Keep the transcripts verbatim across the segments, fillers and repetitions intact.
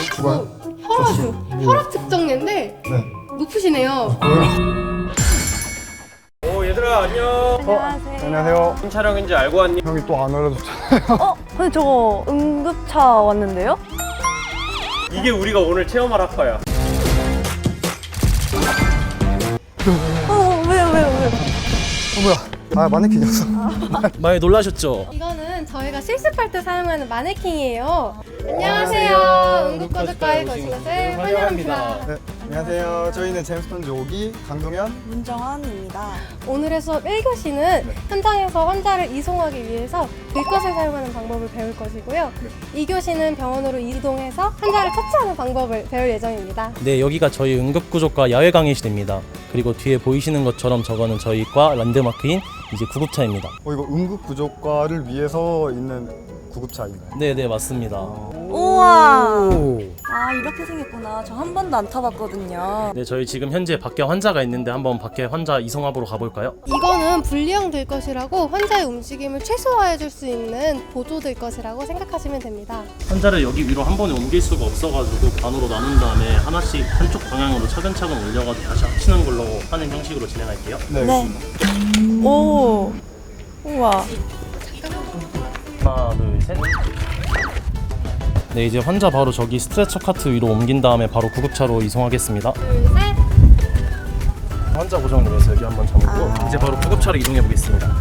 주관. 혈압, 혈압 측정례인데 네. 높으시네요. 오 얘들아 안녕. 안녕하세요. 안녕하세요. 무슨 촬영인지 알고 왔니? 형이 또 안 알려줬잖아요. 어? 근데 저거 응급차 왔는데요? 이게 우리가 오늘 체험할 학과야. 어, 왜요, 왜요, 왜요? 어 뭐야? 아 마네킹이었어. 많이 놀라셨죠? 이거는 저희가 실습할 때 사용하는 마네킹이에요. 안녕하세요. 응급구조과에 오신 것을 환영합니다. 네. 안녕하세요. 저희는 제임스턴 조기 강동현. 문정환입니다. 오늘의 수업 일 교시는 현장에서 환자를 이송하기 위해서 들것을 사용하는 방법을 배울 것이고요. 이 교시는 병원으로 이동해서 환자를 처치하는 방법을 배울 예정입니다. 네, 여기가 저희 응급구조과 야외 강의실입니다. 그리고 뒤에 보이시는 것처럼 저거는 저희 과 랜드마크인 이제 구급차입니다. 어 이거 응급구조과를 위해서 있는 구급차인가요? 네, 네, 맞습니다. 우와! 아, 이렇게 생겼구나. 저 한 번도 안 타봤거든요. 네, 저희 지금 현재 밖에 환자가 있는데 한번 밖에 환자 이송하러 가볼까요? 이거는 분리형 들것이라고 환자의 움직임을 최소화해 줄 수 있는 보조 들것이라고 생각하시면 됩니다. 환자를 여기 위로 한 번에 옮길 수가 없어가지고 반으로 나눈 다음에 하나씩 한쪽 방향으로 차근차근 올려가지고 다시 합치는 걸로 하는 형식으로 진행할게요. 네. 네. 알겠습니다. 오. 우와. 하나, 둘, 셋. 네, 이제 환자 바로 저기 스트레처 카트 위로 옮긴 다음에 바로 구급차로 이송하겠습니다. 둘, 셋. 환자 고정님에서 여기 한번 잡고 아. 이제 바로 구급차로 이동해 보겠습니다.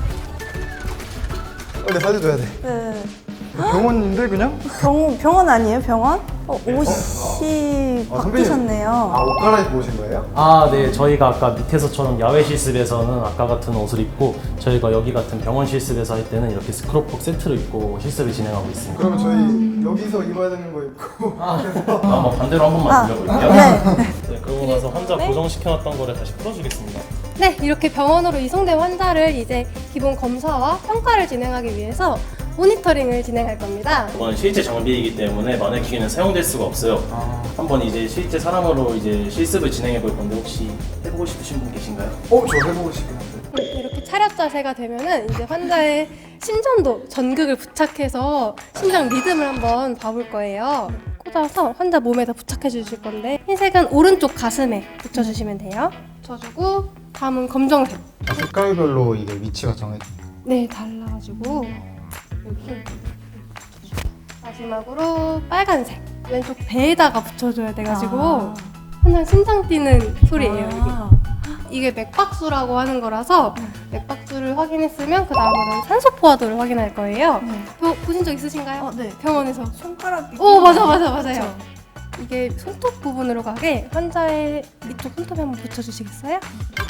빨리 살려줘야 돼. 네. 병원인데 그냥? 병, 병원 아니에요, 병원? 어, 옷이 어, 선배님. 바뀌셨네요. 아 옷 갈아입고 오신 거예요? 아, 네. 저희가 아까 밑에서처럼 야외 실습에서는 아까 같은 옷을 입고 저희가 여기 같은 병원 실습에서 할 때는 이렇게 스크럽복 세트를 입고 실습을 진행하고 있습니다. 그러면 저희 여기서 입어야 되는 거 입고 한번 반대로 한 번만 아, 돌려볼게요. 네. 네, 그러고 나서 환자 고정시켜놨던 거를 다시 풀어주겠습니다. 네, 이렇게 병원으로 이송된 환자를 이제 기본 검사와 평가를 진행하기 위해서 모니터링을 진행할 겁니다. 이건 실제 장비이기 때문에 마네킹에는 사용될 수가 없어요. 아. 한번 이제 실제 사람으로 이제 실습을 진행해 볼 건데 혹시 해보고 싶으신 분 계신가요? 어? 저 해보고 싶긴 한데. 이렇게 차렷 자세가 되면은 이제 환자의 심전도 전극을 부착해서 심장 리듬을 한번 봐볼 거예요. 꽂아서 환자 몸에다 부착해 주실 건데 흰색은 오른쪽 가슴에 붙여주시면 돼요. 붙여주고 다음은 검정색. 아, 색깔별로 이게 위치가 정해져. 네, 달라가지고 여기 마지막으로 빨간색 왼쪽 배에다가 붙여줘야 돼가지고 아. 환자 심장 뛰는 소리예요. 아. 이게. 이게 맥박수라고 하는 거라서 맥박수를 확인했으면 그 다음으로 산소 포화도를 확인할 거예요. 네. 보, 보신 적 있으신가요? 어, 네. 병원에서. 손가락이. 오, 맞아, 맞아, 맞아요. 그쵸? 이게 손톱 부분으로 가게 환자의 이쪽 손톱에 한번 붙여주시겠어요?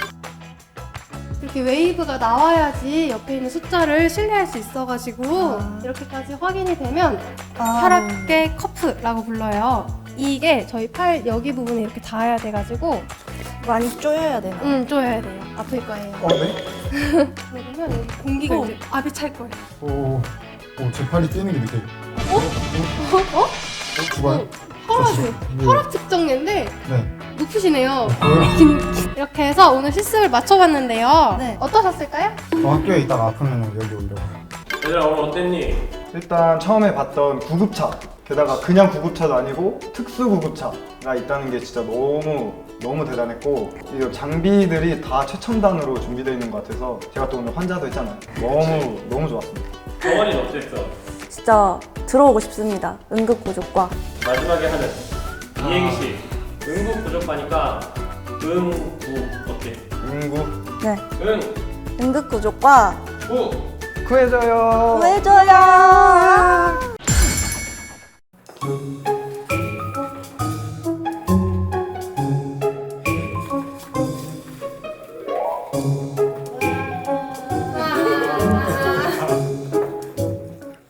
이렇게 웨이브가 나와야지 옆에 있는 숫자를 신뢰할 수 있어가지고 아. 이렇게까지 확인이 되면 아. 혈압계 커프라고 불러요. 이게 저희 팔 여기 부분에 이렇게 닿아야 돼가지고 많이 쪼여야 되나? 음 쪼여야 돼요. 아플 거예요. 어 네? 그러면 여기 공기가 어. 이제 압이 찰 거예요. 오. 오, 제 팔이 뛰는 게 느껴요. 어? 어? 어? 주관. 혈압이 네. 혈압 측정례인데 네. 높으시네요. 이렇게 해서 오늘 실습을 마쳐봤는데요. 네. 어떠셨을까요? 저 학교에 있다가 아프면 여기 오려고. 얘들아 오늘 어땠니? 일단 처음에 봤던 구급차, 게다가 그냥 구급차도 아니고 특수 구급차가 있다는 게 진짜 너무 너무 대단했고, 이 장비들이 다 최첨단으로 준비되어 있는 것 같아서 제가 또 오늘 환자도 했잖아요. 너무 너무 좋았습니다. 병원이 어땠어? 진짜 들어오고 싶습니다. 응급구조과. 마지막에 하는 이행시. 응급구조과니까 응구 어때? 응구 네. 응. 응급구조과 구. 구해줘요. 구해줘요.